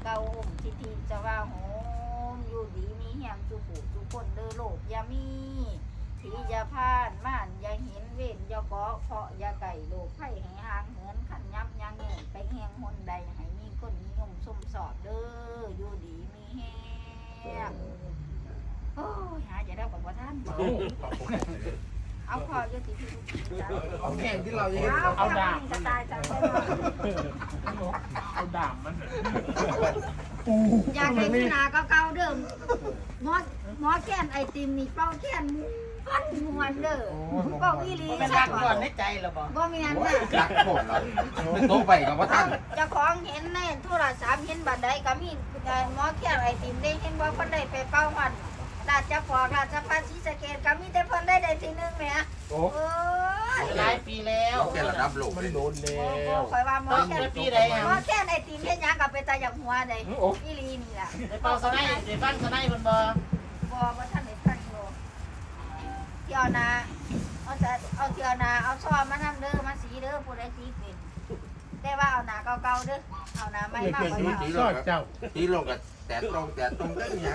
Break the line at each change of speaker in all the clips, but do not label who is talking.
เก่าห่มทิทีจะว่าโหมอยู่ดีมีแหงจุบุจุคนเด้อโลกอย่ามีที่จะผ่านม่านอย่าเห็นเว้นอย่าเกาะเพาะอย่าไก่โลกไผ่ให้ห่างเหินขันยับยังเงินไปแหงหนใดให้มีคนนิยมสมสอดเด้ออยู่ดีมีแหงโอ้ยหาจะได้บอกว่าท่านเอาพออยู่ที่พี่ลูกจ้า
เอาแข่งที่เรา
เอาดาบจะตายจังเลย
เอาดาบมัน
อยากให้พี่นาก็เก่าเดิมหมอแค้นไอติมนี่เป้าแค้นพันมวนเด้อเป้าอีหลี
เป็นรักก่อนในใจหรอบ่
บ่มีอันน่ะ
รักหมดแล้วโตไปกับว่าท่าน
เจ้าของเห็นในโทรศัพท์เห็นบัดใดก็มีหมอแค้นไอติมได้เห็นว่าเพิ่นได้ไปเป้ามันราชพราชพัฒน์ศรีสะเกษก็มีแต่เพิ่นได้ที่1แหมโอ้ย
หลายปีแล้ว
แค่ระดับโลก
มันโดนแล้
บ่
ว
ค่อยว่าหมอแค้น
ปีใด
หมอแค้นไอติมเฮ็ดหยังก็ไปตาอย่างหัวได้อีหลีนี่ล่ะ
ได้เป่าสไนได้ฟังสไนเพิ่นบ่
บ่ทันได้ฟังโลเที่ยวนาเอาเที่ยวนาเอาซ้อมมานำเด้อมาสีเด้อผู้ใดสีเป็นแต่ว่าเอาหนาเก่าๆเด้อเอาหนาใหม่มากกว่า
ซอดเจ้า
ที่โลกกับแต่ตรงได้ยัง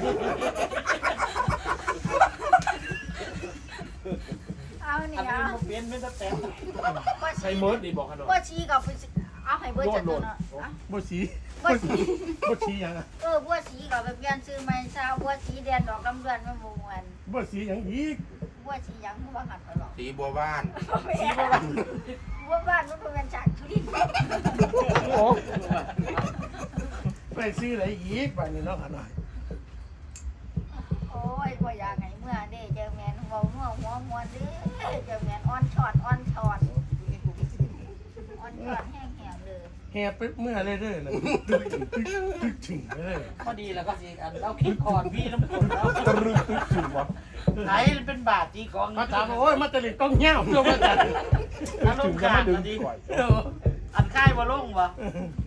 เอานี่
อันนี้
เอา
บ่เปลี่ยนเป็นแต่
ใช้เมิร์ดดีบอกกันหน่อย
บ่ชี้กับเอาให้เบิดจังเนาะ
บ่สี
บ่ชี้
บ่สียังอ่ะ
บ่ชี้ก็ไปเปลี่ยนชื่อใหม่ซะบ่ชี้เดือนดอกลำเดือนมันบ่ม่วน
บ่สียังอีก
บ่ชี้หยังบ่หันไปหรอก
สีบัวบ้าน
บ่บ้านมันเป็นจากทุริน
โอ้ไปซื้ออะไรอีกบ้านนี้เนาะขนาด
โอ้ยบ่อยากให้เมื่อเด้เจอแม่นเว้านัวหัวม่วนเด้เจอแม่นอ่อนช็อตอ่อนช็อตแห้งๆเลย
แห่ไปเมื่อเลยเด้อนะตึกถึงเลย
พอดีแล้วก็สิอันเราคิดคอนพี่น้ำกลแล้ว
ตะรึกตึกถึงวะ
ไหนเป็นบาทจีของ
มาถามว่าโอ้ยมาตะลิดต้องเหี้ยวเพื่อมาจัด
อารมณ์ขาดดีอันค่ายบ่ลงบ่